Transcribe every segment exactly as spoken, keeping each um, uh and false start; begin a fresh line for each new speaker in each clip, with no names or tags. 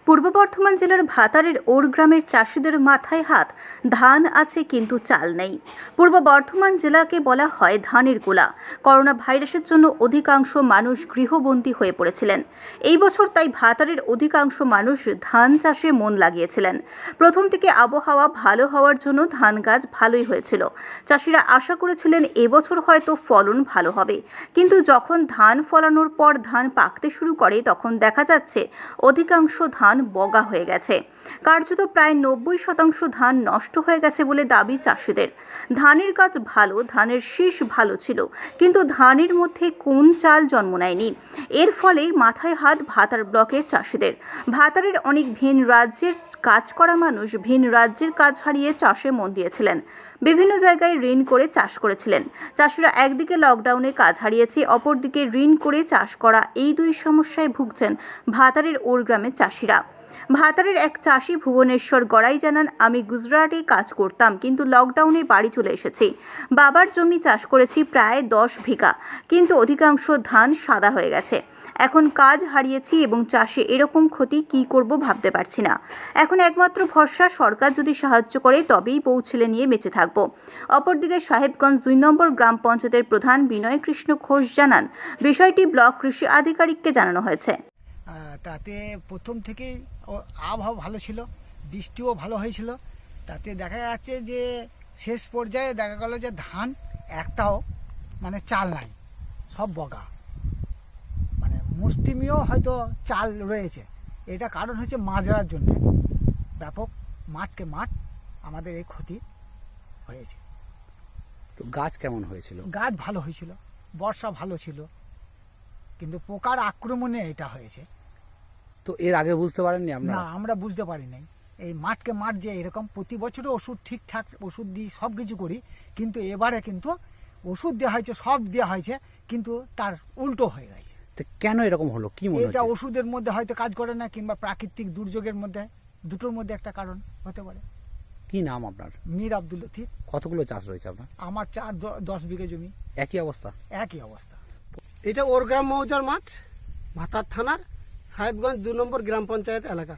পূর্ব বর্ধমান জেলার ভাতারের ওর গ্রামের চাষিদের মাথায় হাত। ধান আছে কিন্তু চাল নেই। পূর্ব বর্ধমান জেলাকে বলা হয় ধানের গোলা। করোনা ভাইরাসের জন্য অধিকাংশ মানুষ গৃহবন্দী হয়ে পড়েছিলেন। এই বছর তাই ভাতারের অধিকাংশ মানুষ ধান চাষে মন লাগিয়েছিলেন। প্রথম থেকে আবহাওয়া ভালো হওয়ার জন্য ধান গাছ ভালোই হয়েছিল। চাষিরা আশা করেছিলেন এবছর হয়তো ফলন ভালো হবে, কিন্তু যখন ধান ফলানোর পর ধান পাকতে শুরু করে তখন দেখা যাচ্ছে অধিকাংশ ধান বগা হয়ে গেছে। কার্যত প্রায় নব্বই শতাংশ ধান নষ্ট হয়ে গেছে বলে দাবি চাষিদের। ধানের গাছ ভালো, ধানের শীষ ভালো ছিল, কিন্তু ধানের মধ্যে কোন চাল জন্ম নেয়নি। এর ফলে মাথায় হাত ভাতার ব্লকের চাষিদের। ভাতারের অনেক ভিন রাজ্যের কাজ করা মানুষ ভিন রাজ্যের কাজ হারিয়ে চাষে মন দিয়েছিলেন। বিভিন্ন জায়গায় ঋণ করে চাষ করেছিলেন। চাষিরা একদিকে লকডাউনে কাজ হারিয়েছে, অপরদিকে ঋণ করে চাষ করা, এই দুই সমস্যায় ভুগছেন ভাতারের ওর গ্রামের চাষিরা। ভাতারের এক চাষি ভুবনেশ্বর গড়াই জানান, আমি গুজরাটে কাজ করতাম, কিন্তু লকডাউনে বাড়ি চলে এসেছি। বাবার জমি চাষ করেছি প্রায় দশ বিঘা, কিন্তু অধিকাংশ ধান সাদা হয়ে গেছে। এখন কাজ হারিয়েছি এবং চাষে এরকম ক্ষতি কি করব ভাবতে পারছি না। এখন একমাত্র ভরসা সরকার যদি সাহায্য করে তবেই বউ ছেলে নিয়ে বেঁচে থাকব। অপরদিকে সাহেবগঞ্জ দুই নম্বর গ্রাম পঞ্চায়েতের প্রধান বিনয় কৃষ্ণ ঘোষ জানান, বিষয়টি ব্লক কৃষি আধিকারিককে জানানো হয়েছে।
তাতে প্রথম থেকেই আবহাওয়া ভালো ছিল, বৃষ্টিও ভালো হয়েছিল। তাতে দেখা যাচ্ছে যে শেষ পর্যায়ে দেখা গেল যে ধান একটাও মানে চাল নাই, সব বগা, মানে মুষ্টিমেয় হয়তো চাল রয়েছে। এটা কারণ হচ্ছে মাজরার জন্য ব্যাপক মাঠকে মাঠ আমাদের এই ক্ষতি হয়েছে।
তো গাছ কেমন হয়েছিল?
গাছ ভালো হয়েছিল, বর্ষা ভালো ছিল, কিন্তু পোকার আক্রমণে এটা হয়েছে।
তো এর আগে বুঝতে পারেননি আপনারা?
না, আমরা বুঝতে পারি নাই। এই মাঠকে মাঠ যে এরকম প্রতি বছরও ওষুধ ঠিকঠাক ওষুধ দিই, সব কিছু করি, কিন্তু এবারে কিন্তু ওষুধ দেওয়া হয়েছে, সব দেওয়া হয়েছে, কিন্তু তার উল্টো হয়ে গেছে।
তো কেন এরকম হলো, কি মনে হচ্ছে?
এটা ওষুধের মধ্যে হয়তো কাজ করে না, কিংবা প্রাকৃতিক দুর্যোগের মধ্যে, দুটোর মধ্যে একটা কারণ হতে পারে।
কি নাম আপনার?
মীর আব্দুল লতিফ।
কতগুলো চাষ রয়েছে আপনার?
আমার চার দশ বিঘে জমি।
একই অবস্থা?
একই অবস্থা।
এটা ওরগ্রাম মৌজার মাঠ, ভাতার থানার সাহেবগঞ্জ দু নম্বর গ্রাম পঞ্চায়েত এলাকা।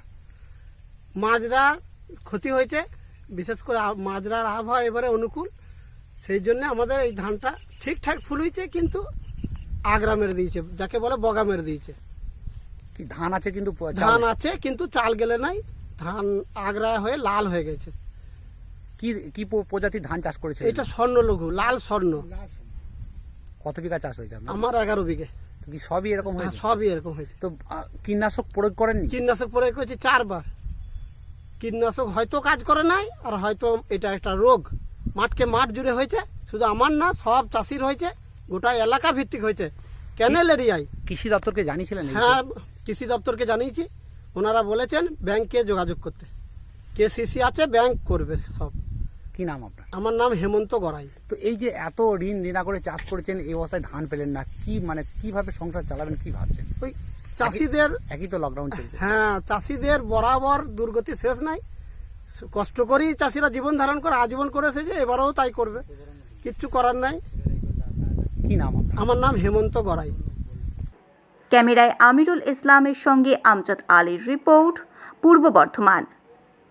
মাজরার ক্ষতি হয়েছে, বিশেষ করে মাজরার আবহাওয়া এবারে অনুকূল, সেই জন্য আমাদের এই ধানটা ঠিকঠাক ফুল হয়েছে, কিন্তু আগরা মেরে দিয়েছে, যাকে বলে বগা মেরে দিয়েছে।
কি ধান আছে কিন্তু
ধান আছে কিন্তু চাল গেলে নাই, ধান আগরা হয়ে লাল হয়ে গেছে।
কি কি প্রজাতির ধান চাষ করেছে?
এটা স্বর্ণ লঘু, লাল স্বর্ণ।
কত বিঘা চাষ হয়েছে আপনার?
আমার এগারো বিঘে।
কি সবই এরকম হয়েছে?
সবই এরকম হয়েছে।
তো কীটনাশক প্রয়োগ করেননি?
কীটনাশক প্রয়োগ করেছি চারবার। কীটনাশক হয়তো কাজ করে নাই, আর হয়তো এটা একটা রোগ মাঠকে মাঠ জুড়ে হয়েছে। শুধু আমার না, সব চাষির হয়েছে, গোটা এলাকা ভিত্তিক হয়েছে, ক্যানেল এরিয়ায়।
কৃষি দপ্তরকে জানিয়েছিলেন?
হ্যাঁ, কৃষি দপ্তরকে জানিয়েছি। ওনারা বলেছেন ব্যাংকে যোগাযোগ করতে, কেসিসি আছে, ব্যাংক করবে সব।
কি নাম আপনার?
আমার নাম হেমন্ত গড়াই।
তো এই যে এত ঋণ ঋণা করে চাষ করেছেন, এই অবস্থায় ধান পেলেন না, কি মানে কিভাবে সংসার চালাবেন, কি ভাবছেন?
ওই চাষিদের
একই তো লকডাউন চলছে।
হ্যাঁ, চাষিদের বরাবর দুর্গতি শেষ নাই। কষ্ট করেই চাষিরা জীবন ধারণ করে আজীবন করেছে, যে এবারেও তাই করবে, কিচ্ছু করার নাই।
কি নাম আপনার?
আমার নাম হেমন্ত গড়াই।
ক্যামেরায় আমিরুল ইসলামের সঙ্গে আমজাদ আলীর রিপোর্ট, পূর্ব বর্ধমান।